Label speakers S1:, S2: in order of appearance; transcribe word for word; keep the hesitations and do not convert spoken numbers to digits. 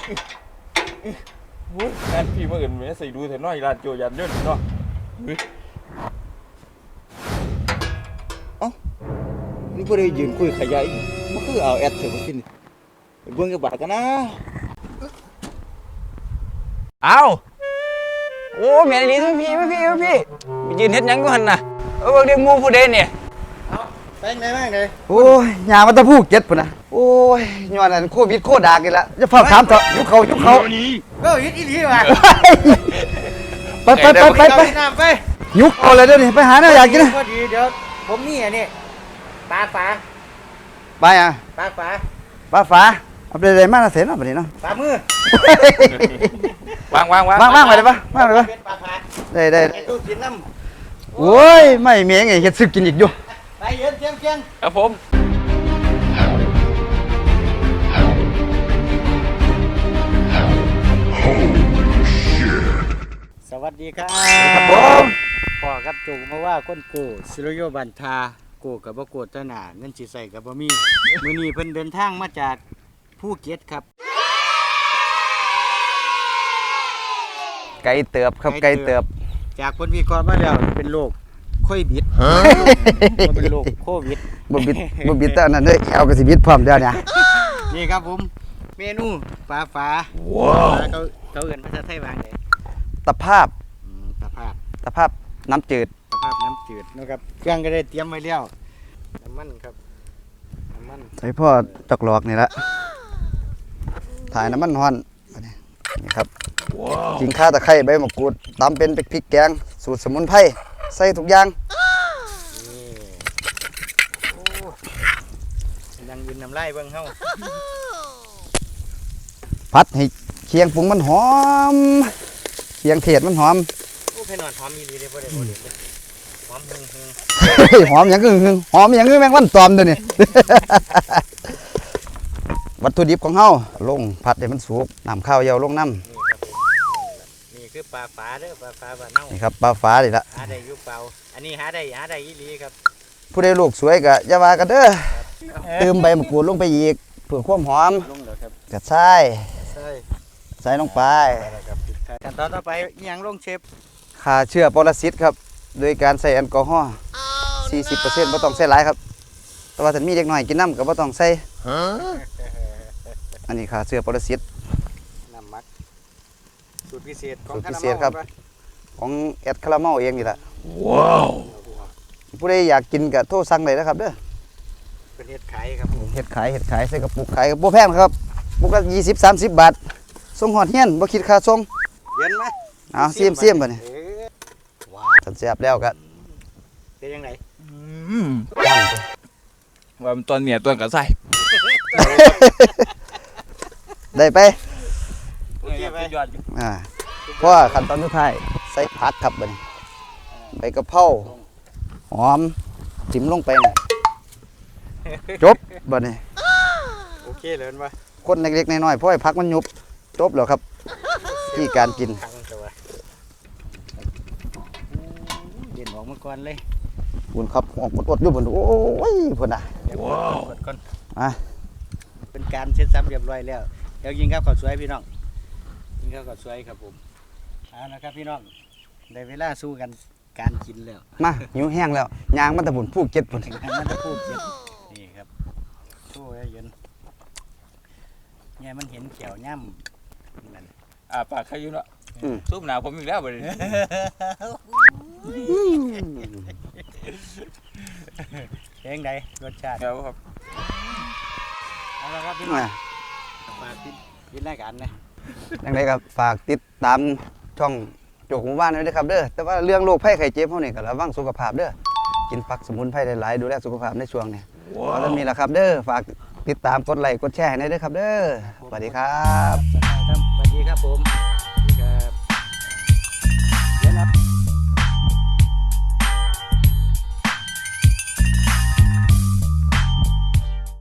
S1: งานพี่มาอื่นไม่ใส่ดูแต่น้อยร้านโจยันเยอะเนาะเอ้านี่พวกเรายืนคุยขยายมันคือเอาแอดเถอะมากินเบื้องกระบะกันนะเอาโอ้แม่ลีทุกพี่พี่พี่ยืนเฮ็ดยังกูหันน่ะเออเดี๋ยวมูผู้ใดเนี่ย
S2: ไปไหนบ้างเลย
S3: โอ้ยยามันตะพูกเจ็ดปุ่นนะโอ้ยย้อนนั้นโควิดโคดากันละจะเฝ้าถามเถอะยุคเขายุคเขา
S2: ก็ยึดอีหลีว่ะ
S3: ไปไปไปไปไป
S2: ไป
S3: ยุคเอาเลยเดี๋ยวนี้ไปหาเนื้ออยากกินนะ
S2: พอดีเดี๋ยวผมมีอันนี้ปลาฝา
S3: ไปอ่ะ
S2: ปลาฝา
S3: ปลาฝาเอาไปเลยมาเสร็จแล้วแบบนี้เนาะ
S2: ปลามือ
S1: วางวางวาง
S3: วางวางไปเลยปะวางไปเลยปะได้ได้
S2: ตู้กินน้
S3: ำโอ้ยไม่เมียไงเฮ็ดซึกกินอีกอยู่
S2: ไปเย็นเชียงเชียง
S1: ครับผม
S2: สวัสดีครับ
S3: ครับผม
S2: พ่อครับจูมาว่าคนโกศิโรโยบันทาโกกับบ่โกตนาเงินสิใส่กับบ่มีมื้อนี้เพิ่นเดินทางมาจากภูเก็ตครับ
S3: ไก่เติบครับไก่เติบ
S2: จากคนวิเคราะห์มาแล้วเป็นโรคโควิดบ่เป็นโรคโควิด
S3: บ่บิดบ่บิดแต่นั้นเด้อแอวก็สิบิดพร้อมเด้อเนี่ย
S2: นี่ครับผมเมนูปลาฝาว้าวเขาเขาเอิ้นภาษาไทยว่าไง
S3: ตะภาพ
S2: ตะภาพ
S3: ตะภาพน้ำจืด
S2: ตะภาพน้ำจืดนะครับเครื่องก็ได้เตรียมไว้แล้วน้ำมันครับน้ำมัน
S3: ใส่พ่อจอกหลอกนี่ละถ่ายน้ำมันฮ้อนนี่ครับกินข้าวตะไคร้ใบมะกรูดตำเป็นพริกแกงสูตรสมุนไพรใส่ทุกอย่าง
S2: ยังยืนน้ำลายเบิ่งเฮา
S3: ผัดให้เคียงปรุงมันหอมเคียงเทศมันหอม
S2: โอ้เพนอนหอมมีดีเลยบ่ได้บ่ได้หอมหึงหึง
S3: หอมอย่างหึงหึงหอมอย่างแมงวันตอมเด้อนี่ วัตถุดิบของเฮาลงผัดให้มันสุกน้ำข้าวเยาลงน้ำ
S2: นี่คือปลาฝาเด้อปลาฝาบ้านเฮา
S3: นี่ครับปลาฝาดิละ
S2: หาได้อยู่เปล่าอันนี้หาได้หาได้อีหลีครับ
S3: ผู้ใดลูกสวยก็อย่าว่ากันเด้อเติมใบมะกรูดลงไปอีกเพื่อความหอมกระชายใส่ลงไป
S2: ขั้นตอนต่อไปอีหยังลงเชฟ
S3: ฆ่าเชื้อปรสิตครับโดยการใส่แอลกอฮอล์ สี่สิบเปอร์เซ็นต์ บ่ต้องใส่หลายครับแต่ว่าถ้ามีเด็กน้อยกินน้ำก็บ่ต้องใส่อันนี้ฆ่าเชื้อปรสิต
S2: น้ำมักสูตรพิเศษของ
S3: สูตรพิเศษครับของแอดคาราเมลเองนี่แหละว้าวผู้ใดอยากกินก็โทรสั่งได้นะครับเด้อ
S2: เป็นเห็ดขายครับ
S3: เห็ดขายเห็ดขายใส่กระปุกขายบ่แพงครับปุกละยี่สิบ สามสิบบาทส่งฮอดเฮียนบ่คิดค่าส่ง
S2: เย็นมั้ย
S3: เอาเสียมๆบัดนี้ว้าวแซ่บแล้วก็
S2: เป็นจังได๋
S1: อืมว่ามันตอนเนี่ยตัวกระใส่
S3: ได้ไป
S2: โอเคไป
S3: อ่าเพราะขั้นตอนสุดท้ายใส่ผักครับบัดนี้ใบกะเพราหอมจิ้มลงไปจบบัดนี้
S2: โอเคเลยป่ะ
S3: คนเล็กๆน้อยๆเพราะไอ้ผักมันยุบจบแล้วครับที่การกิน
S2: เด่นออกมาก่อนเลย
S3: บุญครับออกอดๆอยู่บนโอ้ยพุ่นน่ะ
S2: ว้าวก่อนอ่ะเป็นการเสร็จสับเรียบร้อยแล้วเดี๋ยวกินข้าวข้าวสวยพี่น้องกินข้าวข้าวสวยครับผมเอาละครับพี่น้องได้เวลาสู้กันการกินแล้ว
S3: มาหิวแห้งแล้วยางมันตะบุญผู้เก็บพุ่น
S2: มันตะพูเก็บนี่ครับสู้ให้เย็นเนี่ยมันเห็นเขียวย่ำนั่น
S1: อ่าปากใครอยู่เนาะซุปหนาวผมอีกแล้วบ่ได้
S2: เพลงใดรสชาติ
S1: ครับ
S2: เอาละครับพี่น้องฝากติดติดรายการนะ
S3: ยังไงครับฝากติดตามช่องโจกหมู่บ้านด้วยนะครับเด้อแต่ว่าเรื่องโรคภัยไข้เจ็บพวกนี้ก็ระวังสุขภาพเด้อกินผักสมุนไพรหลายๆดูแลสุขภาพในช่วงนี้เอาแล้วมีละครับเด้อฝากติดตามกดไลค์กดแชร์ให้ด้วยครับเด้อสวัสดีครับ